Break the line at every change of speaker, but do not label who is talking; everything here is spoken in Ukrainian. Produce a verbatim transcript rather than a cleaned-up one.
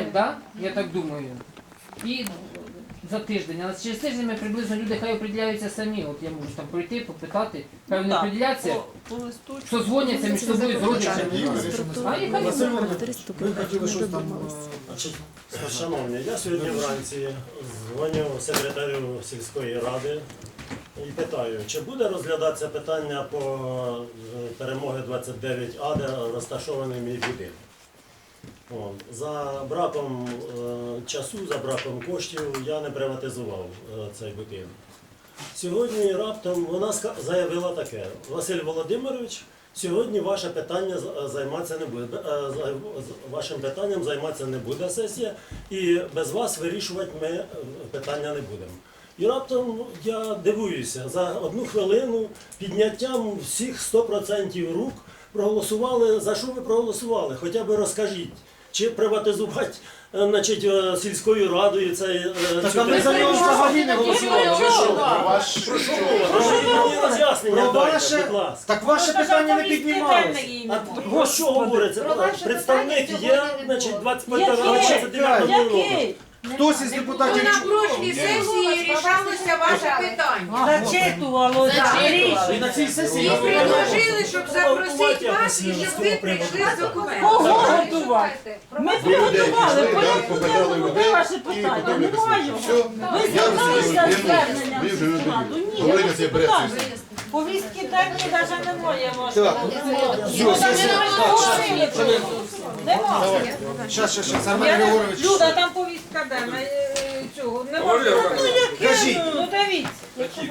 да? Я так думаю. І за тиждень. А через тиждень ми приблизно люди хай определяються самі. От я можу там прийти, попитати, хай вони определяться, созвоняться між собою з родичами. А і хай
Василь
вони.
Іванович, ви хотіли щось там...
Значить, шановні, я сьогодні вранці дзвоню секретарю сільської ради і питаю, чи буде розглядатися питання по е, перемоги двадцять дев'ять А, де розташований мій будинок. О, за браком е, часу, за браком коштів я не приватизував е, цей будинок. Сьогодні раптом вона ска- заявила таке: Василь Володимирович, сьогодні ваше питання з- займатися не буде. е, за- з- Вашим питанням займатися не буде сесія, і без вас вирішувати ми е, питання не будемо. І раптом я дивуюся, за одну хвилину підняттям всіх сто відсотків рук проголосували. За що ви проголосували? Хоча б розкажіть. Чи приватизувати, е, значить, е, сільською радою цей е,
Так
цю
а ми за нього взагалі не голосували. Ви що?
Про що мова? Мені роз'яснення
Про
дайте,
ваше...
будь ласка.
Так ваше питання не піднімалося.
А про що говориться? Представник є, значить, двадцять дев'ятого року.
Який?
Хтось із депутатів...
На прошлій сесії рішалося ваше питання.
Зачитувало
І на цій
І
сесії...
предложили, щоб запросити вас і щоб ви прийшли з документами.
Кого готувати? Ми приготували, порядку денному, де ваше питання? Немає його. Ви зверталися з зверненням в сільську раду? Ні, я не депутат. Повістки денні навіть немає вашого. Нема.
Щас, щас, щас, Армен
Я не-
Григорович.
Люда, там повістка денна. е, Цього. Нема. Ну, яке?
Кажіть.
Ну, дивіться.